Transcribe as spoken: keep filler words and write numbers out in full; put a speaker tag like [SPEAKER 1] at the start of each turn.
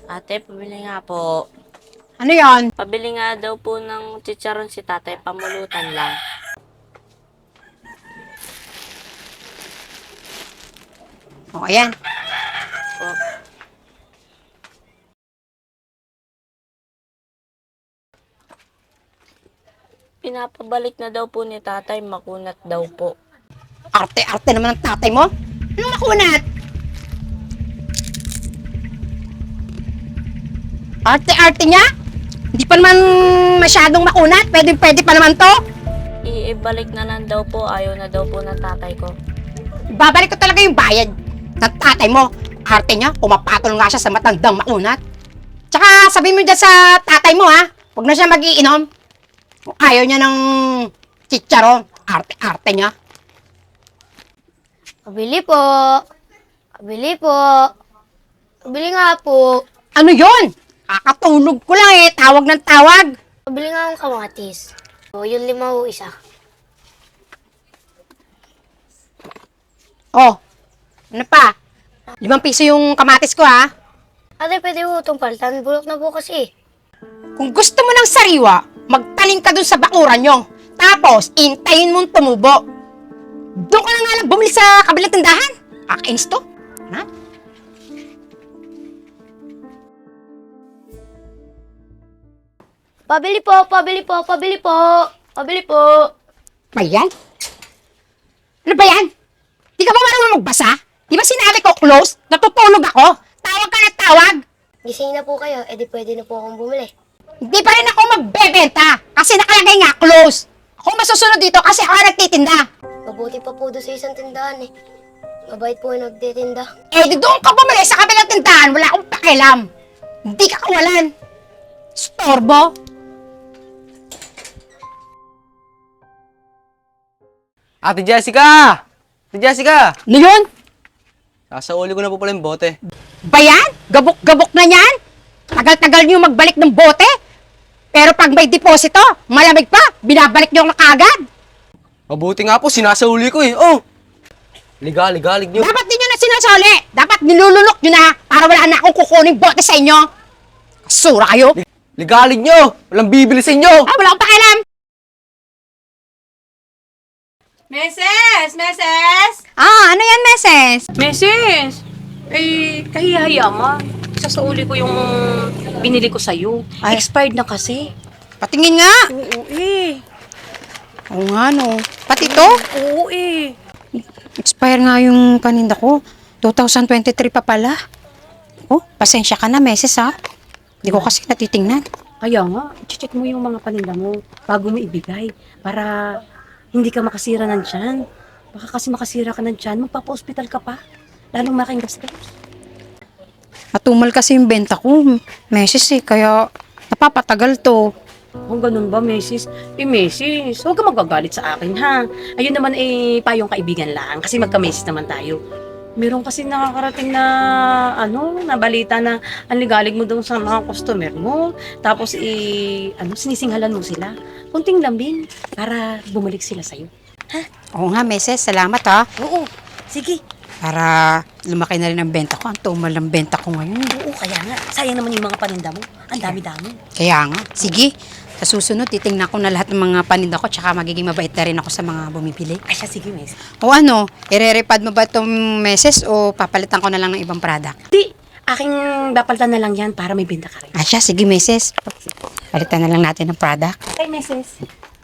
[SPEAKER 1] Ate, pabili nga po.
[SPEAKER 2] Ano yon?
[SPEAKER 1] Pabili nga daw po ng chicharon si tatay, pamulutan lang.
[SPEAKER 2] O, ayan.
[SPEAKER 1] Po. Pinapabalik na daw po ni tatay, makunat daw po.
[SPEAKER 2] Arte-arte naman ng tatay mo. Anong makunat? Arte-arte niya? Hindi pa naman masyadong makunat. Pwede-pwede pa naman to.
[SPEAKER 1] Iibalik na lang daw po, ayaw na daw po ng tatay ko.
[SPEAKER 2] Babalik ko talaga yung bayad ng tatay mo. Arte niya, pumapatol nga siya sa matandang makunat. Tsaka sabihin mo dyan sa tatay mo ha, huwag na siya mag-iinom. Kung ayaw niya ng chicharon, arte-arte niya.
[SPEAKER 3] Pabili po. Pabili po. Pabili nga po.
[SPEAKER 2] Ano yon? Kakatulog ko lang eh, tawag ng tawag.
[SPEAKER 3] Pabili nga akong kamatis. O, yung lima o isa.
[SPEAKER 2] Oh, ano pa? Limang piso yung kamatis ko ha.
[SPEAKER 3] Ate, pwede po itong palitan. Bulok na po kasi.
[SPEAKER 2] Kung gusto mo ng sariwa, magtanim ka dun sa bakuran nyo. Tapos, intayin mong tumubo. Doon ka na nga lang bumili sa kabilang tindahan. Kakainis to. Ha?
[SPEAKER 3] Pabili po, pabili po, pabili po. Pabili po.
[SPEAKER 2] Ba yan? Ano ba yan? Di ka ba marunong magbasa? Di ba sinabi ko close? Natutulog ako. Tawag ka na tawag.
[SPEAKER 3] Gising na po kayo, edi pwede na po akong bumili.
[SPEAKER 2] Hindi pa rin ako magbebenta. Kasi nakalagay nga close. Ako masusunod dito kasi ako nagtitinda.
[SPEAKER 3] Mabuti pa po doon sa isang tindahan eh. Mabait po yung nagtitinda.
[SPEAKER 2] Eh, di doon ka bumili sa kabilang tindahan. Wala akong pakialam. Hindi ka kawalan. Storbo.
[SPEAKER 4] Ate Jessica! Ate Jessica!
[SPEAKER 2] Ano yun?
[SPEAKER 4] Sasauli ko na po pala yung bote.
[SPEAKER 2] Ba yan? Gabok-gabok na yan? Tagal-tagal niyo magbalik ng bote? Pero pag may deposito, malamig pa, binabalik niyo na kagad.
[SPEAKER 4] Mabuti nga po, sinasauli ko eh. Oh! Liga, liga, lig nyo.
[SPEAKER 2] Dapat din nyo na sinasoli. Dapat nilulunok nyo na para wala na akong kukuning bote sa inyo. Kasura kayo.
[SPEAKER 4] Ligalig nyo! Walang bibili sa inyo!
[SPEAKER 2] Ah, wala akong pakialam.
[SPEAKER 5] Meses! Meses!
[SPEAKER 2] Ah, ano yan, meses?
[SPEAKER 5] Meses! Eh, kahihiya ma. Sasauli ko yung binili ko sa'yo.
[SPEAKER 2] Ay.
[SPEAKER 5] Expired na kasi.
[SPEAKER 2] Patingin nga.
[SPEAKER 5] Oo eh.
[SPEAKER 2] Oo nga, no. Pati to?
[SPEAKER 5] Oo eh.
[SPEAKER 2] Expire nga yung paninda ko. twenty twenty-three pa pala. Oh, pasensya ka na, meses ha. Hindi ko kasi natitingnan.
[SPEAKER 5] Kaya nga, check mo yung mga paninda mo bago mo ibigay. Para hindi ka makasira ng tiyan. Baka kasi makasira ka ng tiyan, magpapa-hospital ka pa. Lalong making gastos.
[SPEAKER 2] Matumal kasi yung benta ko. Meses eh, kaya napapatagal to.
[SPEAKER 5] Kung ganun ba, Mesis? Eh, Mesis, huwag ka magagalit sa akin, ha? Ayun naman, eh, payong kaibigan lang. Kasi magka-Mesis naman tayo. Meron kasi nakakarating na, ano, na balita na ang ligalig mo daw sa mga customer mo. Tapos, eh, ano, sinisinghalan mo sila. Kunting lambing para bumalik sila sa'yo.
[SPEAKER 2] Oo nga, meses. Salamat ha.
[SPEAKER 5] Oo, sige.
[SPEAKER 2] Para lumaki na rin ang benta ko. Ang tumal ang benta ko ngayon.
[SPEAKER 5] Oo, kaya nga. Sayang naman yung mga paninda mo. Ang dami-dami.
[SPEAKER 2] Kaya nga. Sige. Sa susunod, titingnan ko na lahat ng mga paninda ko tsaka magiging mabait na rin ako sa mga bumibili.
[SPEAKER 5] Ay, siya, sige, Mesis.
[SPEAKER 2] O ano, irerepad mo ba itong meses o papalitan ko na lang ng ibang product?
[SPEAKER 5] Di, aking bapaltan na lang yan para may benta ka rin.
[SPEAKER 2] Ah, siya, sige meses. Palitan na lang natin ng product.
[SPEAKER 5] Okay, Mesis.